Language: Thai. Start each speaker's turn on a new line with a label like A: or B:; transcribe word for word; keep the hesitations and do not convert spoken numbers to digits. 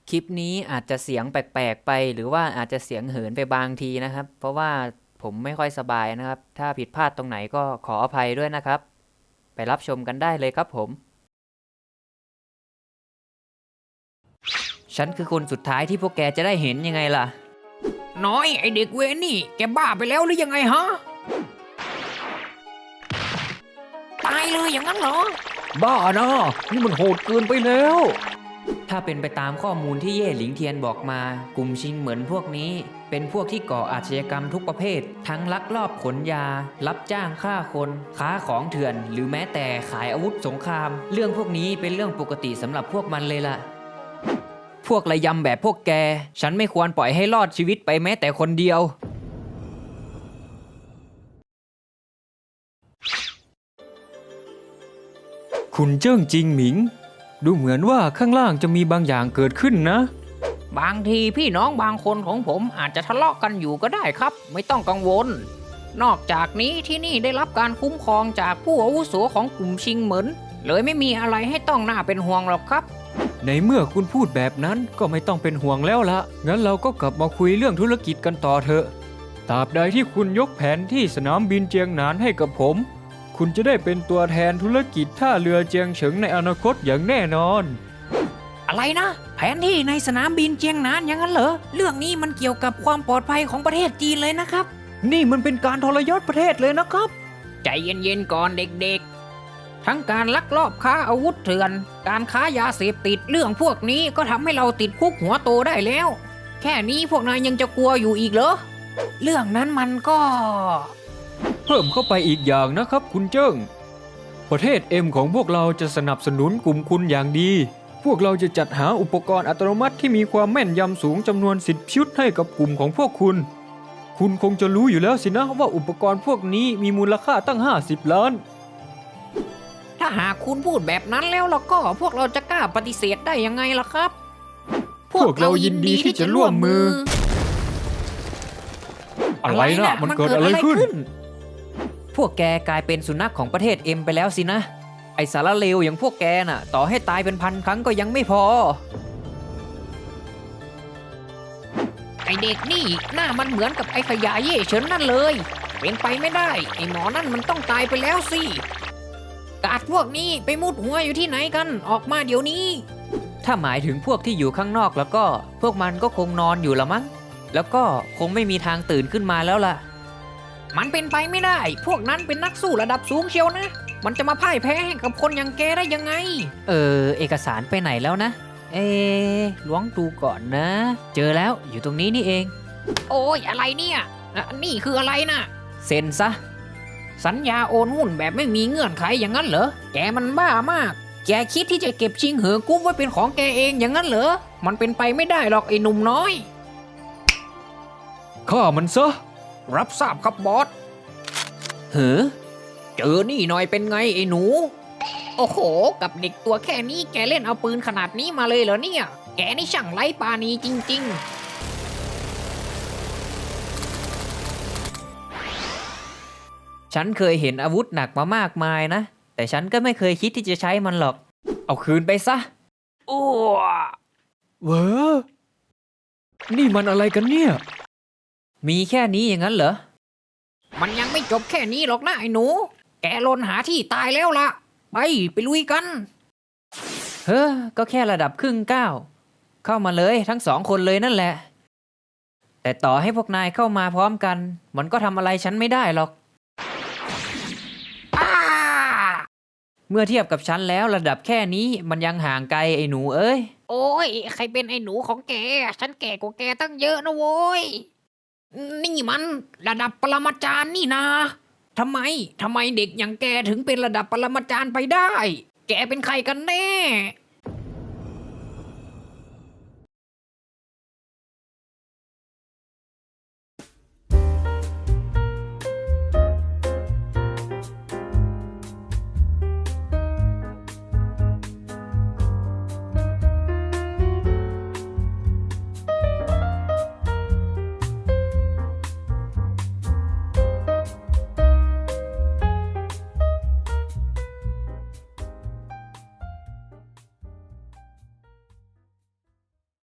A: คลิปนี้อาจจะเสียงแปลกๆไปหรือว่าอาจจะเสียงเหินไปบางทีนะครับเพราะว่าผมไม่ค่อยสบายนะครับถ้าผิดพลาดตรงไหนก็ขออภัยด้วยนะครับไปรับชมกันได้เลยครับผมฉันคือคนสุดท้ายที่พวกแกจะได้เห็นยังไงล่ะ
B: น้อยไอเด็กเวรนี่แกบ้าไปแล้วหรือยังไงฮะตายเลยอย่างนั้นเหรอ
C: บ้านะนี่มันโหดเกินไปแล้ว
A: ถ้าเป็นไปตามข้อมูลที่เย่หลิงเทียนบอกมากลุ่มชิงเหมือนพวกนี้เป็นพวกที่ก่ออาชญากรรมทุกประเภททั้งลักลอบขนยารับจ้างฆ่าคนค้าของเถื่อนหรือแม้แต่ขายอาวุธสงครามเรื่องพวกนี้เป็นเรื่องปกติสำหรับพวกมันเลยล่ะพวกระยำแบบพวกแกฉันไม่ควรปล่อยให้รอดชีวิตไปแม้แต่คนเดียว
C: คุณเจิ้งจิงหมิงดูเหมือนว่าข้างล่างจะมีบางอย่างเกิดขึ้นนะ
B: บางทีพี่น้องบางคนของผมอาจจะทะเลาะกันอยู่ก็ได้ครับ ไม่ต้องกังวล นอกจากนี้ที่นี่ได้รับการคุ้มครองจากผู้อาวุโสของกลุ่มชิงเหมินเลยไม่มีอะไรให้ต้องน่าเป็นห่วงหรอกครับ
C: ในเมื่อคุณพูดแบบนั้นก็ไม่ต้องเป็นห่วงแล้วละงั้นเราก็กลับมาคุยเรื่องธุรกิจกันต่อเถอะตราบใดที่คุณยกแผนที่สนามบินเจียงหนานให้กับผมคุณจะได้เป็นตัวแทนธุรกิจท่าเรือเจียงเฉิงในอนาคตอย่างแน่นอน
B: อะไรนะแผนที่ในสนามบินเจียงหนานอย่างนั้นเหรอเรื่องนี้มันเกี่ยวกับความปลอดภัยของประเทศจีนเลยนะครับ
C: นี่มันเป็นการทรยศประเทศเลยนะครับ
B: ใจเย็นๆก่อนเด็กๆ ทั้งการลักลอบค้าอาวุธเถื่อนการค้ายาเสพติดเรื่องพวกนี้ก็ทำให้เราติดคุกหัวโตได้แล้ว แค่นี้พวกนายยังจะกลัวอยู่อีกเหรอเรื่องนั้นมันก็
C: เพิ่มเข้าไปอีกอย่างนะครับคุณเจิ้งประเทศเอ็มของพวกเราจะสนับสนุนกลุ่มคุณอย่างดีพวกเราจะจัดหาอุปกรณ์อัตโนมัติที่มีความแม่นยำสูงจำนวนสิบชุดให้กับกลุ่มของพวกคุณคุณคงจะรู้อยู่แล้วสินะว่าอุปกรณ์พวกนี้มีมูลค่าตั้งห้าสิบล้าน
B: ถ้าหากคุณพูดแบบนั้นแล้วแล้วก็พวกเราจะกล้าปฏิเสธได้ยังไงล่ะครับ
C: พวกเรายินดีที่จะร่วมมืออะไรนะมันเกิดอะไรขึ้น
A: พวกแกกลายเป็นสุนัขของประเทศเอ็มไปแล้วสินะไอสารเลวอย่างพวกแกน่ะต่อให้ตายเป็นพันครั้งก็ยังไม่พอ
B: ไอเด็กนี่หน้ามันเหมือนกับไอขยะเย่เฉินนั่นเลยเป็นไปไม่ได้ไอหมอนั่นมันต้องตายไปแล้วสิกาดพวกนี้ไปมุดหัวอยู่ที่ไหนกันออกมาเดี๋ยวนี้
A: ถ้าหมายถึงพวกที่อยู่ข้างนอกแล้วก็พวกมันก็คงนอนอยู่ละมั้งแล้วก็คงไม่มีทางตื่นขึ้นมาแล้วล่ะ
B: มันเป็นไปไม่ได้พวกนั้นเป็นนักสู้ระดับสูงเชียวนะมันจะมาพ่ายแพ้ให้กับคนอย่างแกได้ยังไง
A: เออเอกสารไปไหนแล้วนะเอล้วงดูก่อนนะเจอแล้วอยู่ตรงนี้นี่เอง
B: โอ้ยอะไรเนี่ยนี่คืออะไรนะ
A: เซ็นซะ
B: สัญญาโอนหุ้นแบบไม่มีเงื่อนไขอย่างนั้นเหรอแกมันบ้ามากแกคิดที่จะเก็บชิงเหอกรุ๊ปไว้เป็นของแกเองอย่างนั้นเหรอมันเป็นไปไม่ได้หรอกไอ้หนุ่มน้อย
C: ฆ่ามันซะ
B: รับทราบครับบอส
A: เฮ้อ
B: เจอนี่หน่อยเป็นไงไอ้หนูโอ้โหกับเด็กตัวแค่นี้แกเล่นเอาปืนขนาดนี้มาเลยเหรอเนี่ยแกนี่ช่างไร้ปราณีจริง
A: ๆฉันเคยเห็นอาวุธหนักมามากมายนะแต่ฉันก็ไม่เคยคิดที่จะใช้มันหรอกเอาคืนไปซะ
B: โอ้
C: เว้อนี่มันอะไรกันเนี่ย
A: มีแค่นี้อย่างนั้นเหรอ
B: มันยังไม่จบแค่นี้หรอกนะไอ้หนูแกลนหาที่ตายแล้วล่ะไปไปลุยกัน
A: เฮ้อก็แค่ระดับครึ่งก้าวเข้ามาเลยทั้งสองคนเลยนั่นแหละแต่ต่อให้พวกนายเข้ามาพร้อมกันมันก็ทำอะไรฉันไม่ได้หรอกเมื่อเทียบกับฉันแล้วระดับแค่นี้มันยังห่างไกลไอ้หนูเอ้ย
B: โอ้ยใครเป็นไอ้หนูของแกฉันแก่กว่าแกตั้งเยอะนะโว้ยนี่มันระดับปรมาจารย์นี่นะทำไมทำไมเด็กอย่างแกถึงเป็นระดับปรมาจารย์ไปได้แกเป็นใครกันแน่